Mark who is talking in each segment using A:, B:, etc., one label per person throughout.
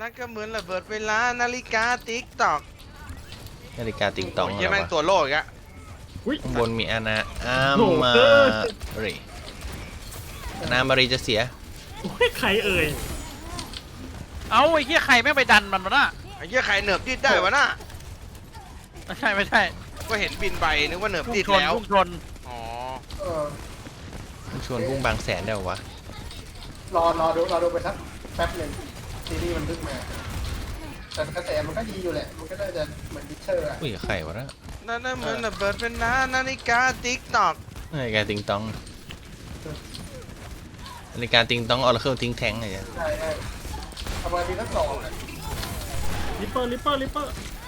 A: นั่นก็เหมือนระเบิดเวลานาฬิกาติ๊กตอก
B: นาฬิกาติงตอง
A: โอ้ย
B: อะไร
A: เหี้ยแม่ง
B: วะ
A: ตัวโลกอีกอะ
B: ข้างบนมีอาณาอามารีอาณามารีจะเสีย
C: โอ้ยใครเอ่ย
D: เอาไอ้เหี้ยใครแม่งไปดันมันมาน่ะ
A: ไอ้เหี้ยใครเหนือบดิดได้วะน่ะ
D: ไม่ใช่ไม่ใช่
A: ก็เห็นบินไปนึกว่าเหนือบ
D: พุ่ง
A: ดิด
D: ชน
A: แล้ว
D: พุ่งชน
A: อ๋อ
E: เออ
B: มันชวนพุ่งบางแสนได้เหรอวะ
E: รอดูไปสักแป๊บหนึ่งซีรีส์มันเพิ่งมาแต่กระแสมันก็ดีอยู่แหละมันก็น่าจะเหมือนดิเชอร์อะ
B: อุ้ยใครวะนะ
A: นั่นน่ะเหมือนระเบิดเวลานาฬิกาติ๊กตอก
B: นาฬิกาติงตองนาฬิกาติงตองออร์เคิลทิ้งแทงอะไรอย่างเงี้ย
E: ใช่ประมาณปีละสองอะ
C: ลิปเปอร์ลิปเปอร์ลิปเปอร์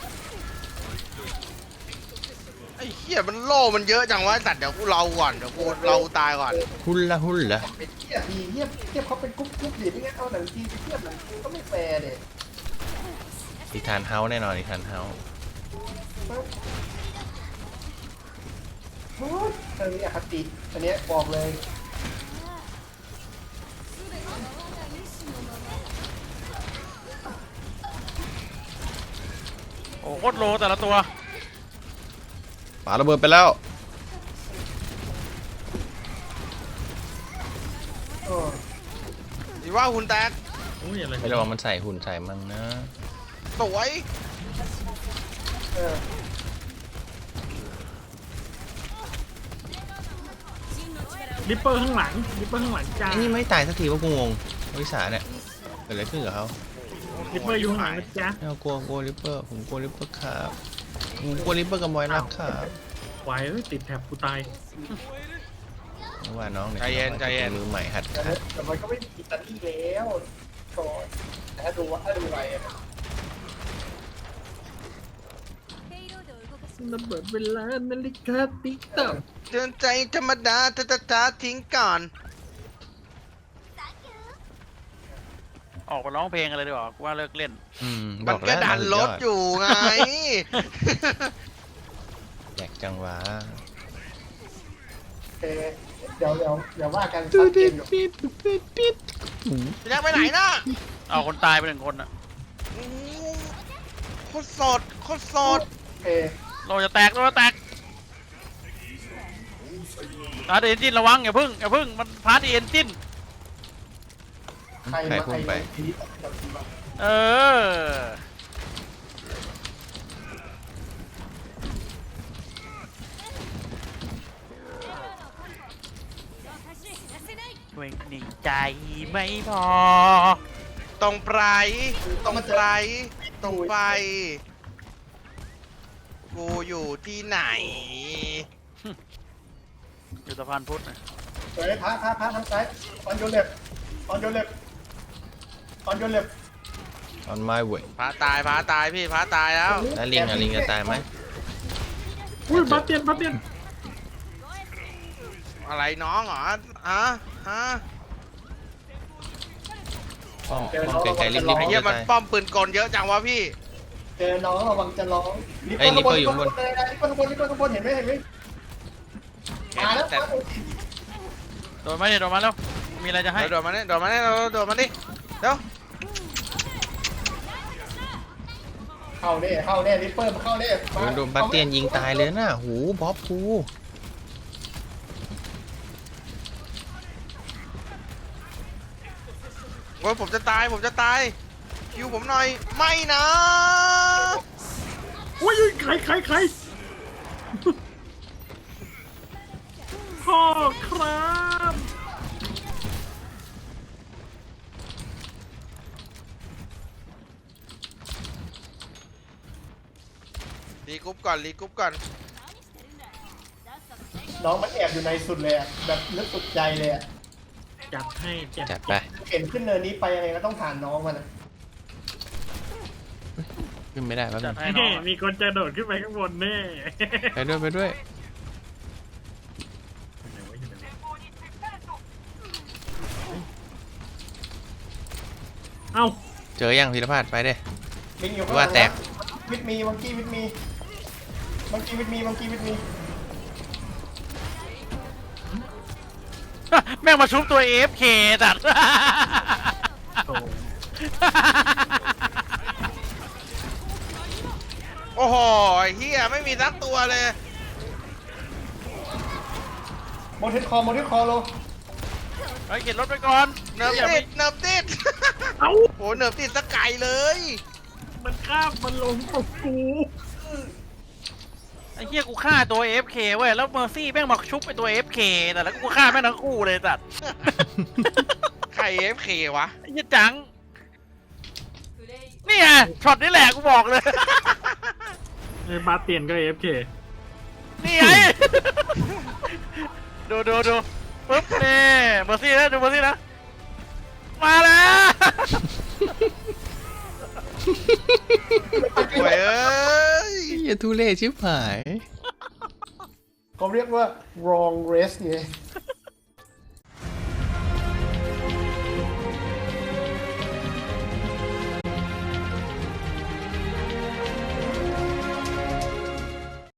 A: ไอ้เหี้ยมันโล่มันเยอะจังวะสัตว์เดี๋ยวกูเราก่อนเดี๋ยวกูเราตายก่อน
B: หุ่นละหุ่นละ
E: เป็นเทียบดีเทียบเขาเป็นกรุ๊ปดิไม่งั้นเอาหนังจีนไปเทียบหนังจีนก็ไม่แฟร์เด็
B: นิทานเฮาส์แน่นอนนิทานเฮาส์
E: เรื่องนี้อคติอันเนี้ยบอกเลย
D: โอ้โคตรโลแต่ละตัว
B: ปาระเบิดไปแล้ว
E: เออ
A: ดีว่าหุ่นแตก
C: โอ้ยอะไร
B: ไม่ระวังมันใส่หุ่นใส่มั่งนะ
A: สวย
E: เออ
C: ลิปเปอร์ข้างหลังลิปเปอร์ข้างหลังจ้า
B: ไอ้นี่ไม่ตายสักทีว่ากูงงวิสาเนี่ยเกิดอะไรขึ้นกับเขา
C: ลิปเปอร์อยู่ข้างหลังนะจ๊ะ
B: ไม่เอากลัวลิปเปอร์ผมกลัวลิปเปอร์ครับผมกลัวลิปเปอร์กับมอยรักครับ
C: ไหวเอ้ยติดแถบกูตาย
B: เพราะว่าน้องเนี่ย
A: ใจเย็นใจเย็น
B: มือใหม่หัดขัด
E: แต่มันก็ไม่มีอิตาลีแล้วก่อนแต่ถ้าดูไว้อะ
C: ระเบิดเวลานาฬิกาติ๊กต๊อก
A: เตือนใจธรรมดาจ้าทิ้งก่อน
D: ออกไปร้องเพลงกันเลยดีกว่ากูว่าเลิกเล่น
B: บ
A: มัน
B: อก
A: ก็
B: แล้ว
A: ดันรถอยู่ไง
B: แจกจังหวะ
E: โอเคเดี๋ยวว่ากัน
B: ตู
E: สักเก
B: ดิ
E: ม
B: ด
E: อยู่
B: ปิดปิดปิด
A: พี่แจ็คไปไหนนะ
D: เอาคนตายไปหนึ่งคนอ่ะ
A: โอ้โหโคตรสดโคตรสด
E: โอเค
D: โลจะแตกโลจะแตกพาร์ทเอนจินระวังอย่าพึ่งมันพาร์ทเอนจิน
E: ใคร
B: ใคร
E: มา
B: พุ่งไป
E: ทีนี้ตัดสินว่า
D: เออ เวงหนึ่งใจไม่พอ
A: ตรงไปตรงไปตรงไป กูอยู่ที่ไหน
D: อยู่สะพานพุทธนะ
E: เฮ้ยพระทางซ้ายออนโยเล็บออนโยเล็บ
B: on my way
A: พระตายพี่พระตายแล้ว
B: แล้วลิงอะลิงจะตายไหม
C: อุ้ยบาเตียนบาเตียน
A: อะไรน้องเหรอฮะ
B: ป้อมไกลๆรีบ
A: ไอ้
B: ๆ
A: เหี้ย
B: จะ
A: มัน
B: ตาย
A: ป้อมปืนกลเยอะจังวะพี่
E: เจอน้องระวังจะร้อง
B: ไอ้ลิปเปอร์อยู่ข้างบน
E: ลิปเปอร์ข้างบนเห็นไหมมาแล้ว
A: แต่
D: โดนไหมเนี่ยโดนมาแล้ว มีอะไรจะให้
A: โดดมาเนี่ยเราโดดมาดิเดี๋ยว
E: เข้าแน่ลิปเปอร์มาเข้าแน่
B: โดนบาสเตียนยิงตายเลยน่ะหูบ๊อบกู
A: โอ้ยผมจะตายคิวผมหน่อยไม่นะ
C: อุ้ยใครพ่อครับ
A: รีกรุ๊ปก่อน
E: น้องมันแอบอยู่ในสุดเลยแบบลึกสุดใจเลย
C: จัดให้เจ็บ
B: จัดไป
E: เห็นขึ้นเนินนี้ไปยังไงก็ต้องผ่านน้องมัน
B: ขึ้นไม่ได้แป๊บนึ
D: จัด
B: ง
D: ให้น้องอะ
C: มีคนจะโดดขึ้นไปข้างบนแน่
B: ไปด้วย
C: เอ้า
B: เจอยังธีรพัฒน์ไปเด้
E: ลิงอยู่
B: ว่าแตก
E: วิทมีมังกี้วิทมี
D: แม่งมาชุบตัว AFK จัด
C: โอ้
A: โอ้โหไอ้เฮียไม่มีสักตัวเลย
E: โมเทสคอโล
D: ไอ้เก็บรถไปก่อน
A: เนิร์ฟ
D: อย่า
A: ติ
D: ไป
A: ดเนิร์ฟติด
C: เอ้า
A: โอ้เนิร์ฟติดสกายเลย
C: มันข้ามมันลงตกกู
D: ไอ้เหี้ยกูฆ่าตัว AFK เว้ยแล้วเมอร์ซี่แม่งมาชุบไปตัว AFK แต่แล้วกูฆ่าแม่งทั้งคู่เลยสัตว์
A: ใคร FK วะ
D: ไอ้เหี้ยจังนี่ไงช็อตนี้แหละกูบอกเลย
C: ไอ้บาสเตียนก็เอฟเค
D: นี่ไง ดูปุ๊บนี่เมอร์ซี่นะดูเมอร์ซี่นะมาแล้ว
A: โอ้ยเอ้ย
B: อย่าทุเรศชิบหาย
E: เขาเรียกว่า wrong race ไง